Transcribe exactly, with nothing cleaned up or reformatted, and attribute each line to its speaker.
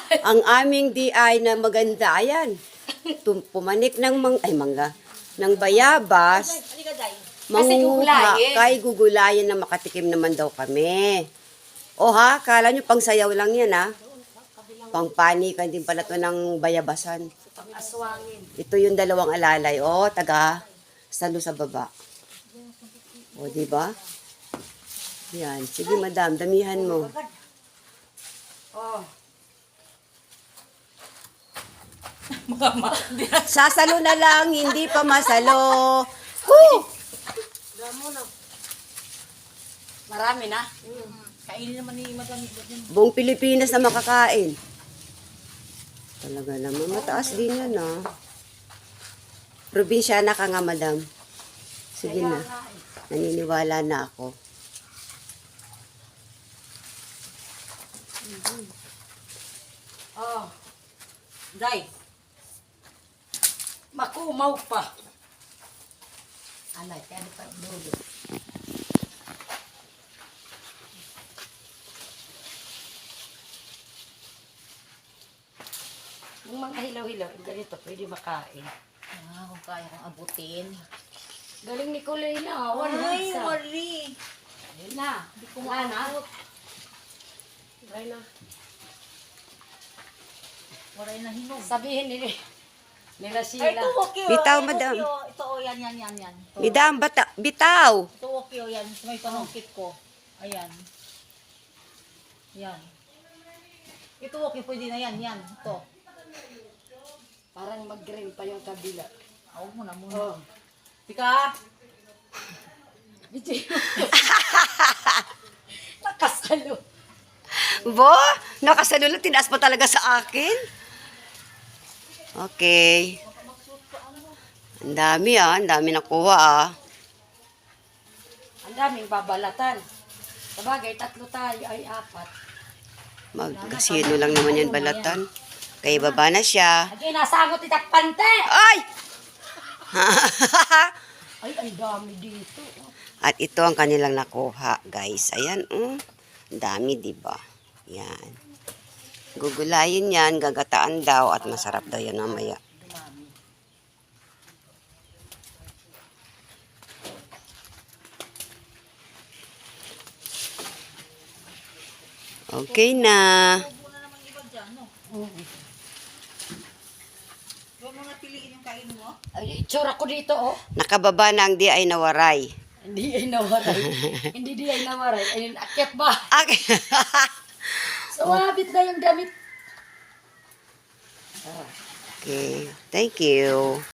Speaker 1: Ang aming D I na maganda, ayan. Tum- Pumanik ng mang, ay mangga, ng bayabas. Manguha kay gugulayan na makatikim naman daw kami. O ha, kala nyo pang sayaw lang yan ha. Pang panikan din pala to ng bayabasan.
Speaker 2: Aswangin.
Speaker 1: Ito yung dalawang alalay. O, taga salo sa baba. O, di ba? Yan. Sige, madam, damihan mo.
Speaker 2: Oh.
Speaker 1: Sasalo na lang, hindi pa masalo. Woo!
Speaker 2: Marami na. Mm. Kainin naman ni Madam.
Speaker 1: Buong Pilipinas na makakain. Talaga naman, mataas din yun, ha? Probinsyana ka nga, madam. Sige na. Naniniwala na ako.
Speaker 2: Oh. Day. Makumaw pa. Alay, kaya pa dulo. Yung mga hilaw-hilaw, ganito, pwede makain.
Speaker 3: Ah, kung kaya kong abutin.
Speaker 2: Galing ni Kulay na, awan na
Speaker 3: Ay,
Speaker 2: isa.
Speaker 3: wari.
Speaker 2: Ayun na, hindi ko maanap. Try na.
Speaker 3: Waray na hinog.
Speaker 2: Sabihin nila, nila
Speaker 3: Ay,
Speaker 2: sila.
Speaker 3: ito okay.
Speaker 1: Bitaw,
Speaker 3: Ito,
Speaker 1: madam.
Speaker 3: okay, oh. Ito, oh, yan, yan, yan, yan. Ito,
Speaker 1: Madam, bata, bitaw!
Speaker 3: ito okay, oh, yan. May panungkit ko. Ayan. Yan. Ito okay, pwede na yan, yan. Ito.
Speaker 2: Parang mag-green pa yung kabila.
Speaker 3: Ako muna, muna.
Speaker 2: Oh.
Speaker 3: Tika!
Speaker 2: Video. Nakasalo.
Speaker 1: Bo, nakasalo lang, tinaas pa talaga sa akin. Okay. Ang dami ah, ang dami nakuha ah.
Speaker 2: Ang daming babalatan. Sabagay, tatlo tayo ay apat.
Speaker 1: Magkasino lang naman yan balatan. Kaya baba na siya.
Speaker 2: Lagi, nasagot itak pante!
Speaker 1: Ay!
Speaker 2: Ay, ang dami dito.
Speaker 1: At ito ang kanilang nakuha, guys. Ayan, mm. Ang dami, di ba? Yan. Gugulayin yan, gagataan daw, at masarap daw yan mamaya. Okay na.
Speaker 3: Muna naman iba dyan, no? Huwag mo na piliin yung kain mo.
Speaker 2: Ay, itsura ko dito, oh.
Speaker 1: Nakababa na ang di ay nawaray.
Speaker 2: Hindi ay nawaray. Hindi di ay nawaray. Ayun, akyat ba?
Speaker 1: Okay.
Speaker 2: Sumabit na yung damit.
Speaker 1: Okay. Thank you.